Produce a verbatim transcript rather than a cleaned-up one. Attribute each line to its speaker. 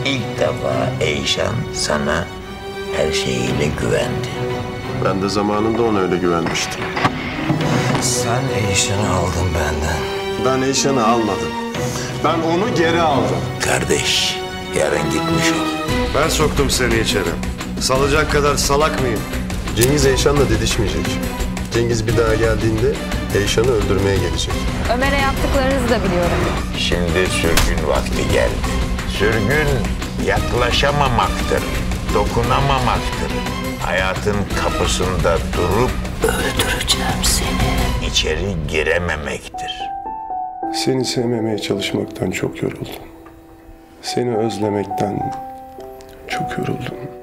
Speaker 1: İlk defa Eyşan sana her şeyiyle güvendi.
Speaker 2: Ben de zamanında ona öyle güvenmiştim.
Speaker 3: Sen Eyşan'ı aldın benden.
Speaker 2: Ben Eyşan'ı almadım. Ben onu geri aldım.
Speaker 1: Kardeş, yarın gitmiş ol.
Speaker 4: Ben soktum seni içeri. Salacak kadar salak mıyım?
Speaker 2: Cengiz Eyşan'la didişmeyecek. Cengiz bir daha geldiğinde Eyşan'ı öldürmeye gelecek.
Speaker 5: Ömer'e yaptıklarınızı da biliyorum.
Speaker 1: Şimdi sürgün vakti geldi. Sürgün yaklaşamamaktır, dokunamamaktır. Hayatın kapısında durup öldüreceğim seni. İçeri girememektir.
Speaker 2: Seni sevmemeye çalışmaktan çok yoruldum. Seni özlemekten çok yoruldum.